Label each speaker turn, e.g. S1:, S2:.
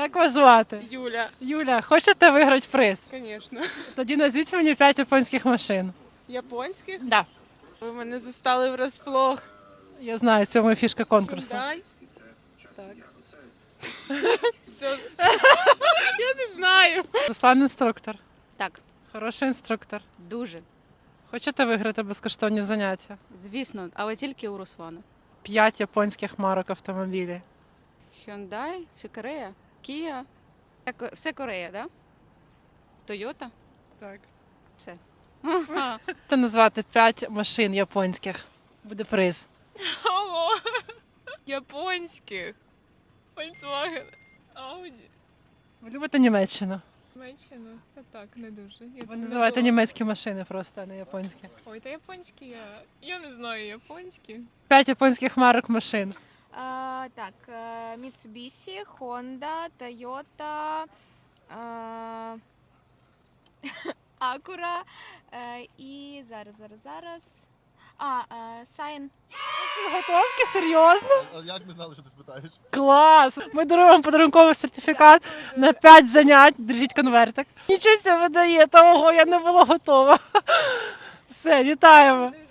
S1: Як вас звати?
S2: Юля.
S1: Юля, хочете виграти приз?
S2: Звісно.
S1: Тоді назвіть мені 5 японських машин.
S2: Японських?
S1: Да.
S2: Ви мене застали врасплох.
S1: Я знаю, це моя фішка конкурсу.
S2: Hyundai? Так. Все. Я не знаю.
S1: Руслан інструктор.
S3: Так,
S1: Хороший інструктор.
S3: дуже.
S1: Хочете виграти безкоштовні заняття?
S3: Звісно, але тільки у Руслана.
S1: 5 японських марок автомобілів.
S3: Hyundai чи Корея? Kia? Все Корея, да? Toyota?
S1: Так.
S3: Все.
S1: Можете назвати 5 машин японських. Буде приз.
S2: Ого. Японських. Volkswagen. Audi.
S1: Ви любите Німеччину?
S2: Німеччина. Це так, не дуже. Я
S1: Ви
S2: там не
S1: називаєте
S2: була.
S1: німецькі машини просто, а не японські.
S2: Ой, та японські я не знаю японські.
S1: 5 японських марок машин.
S4: Так, Mitsubishi, Honda, Toyota, Acura і зараз. Сайн.
S1: Готовки? Серйозно?
S5: А як ми знали, що ти спитаєш?
S1: Клас! Ми даруємо вам подарунковий сертифікат на 5 занять. Держіть конвертик. Нічого себе ви даєте, ого, я не була готова. Все, вітаємо.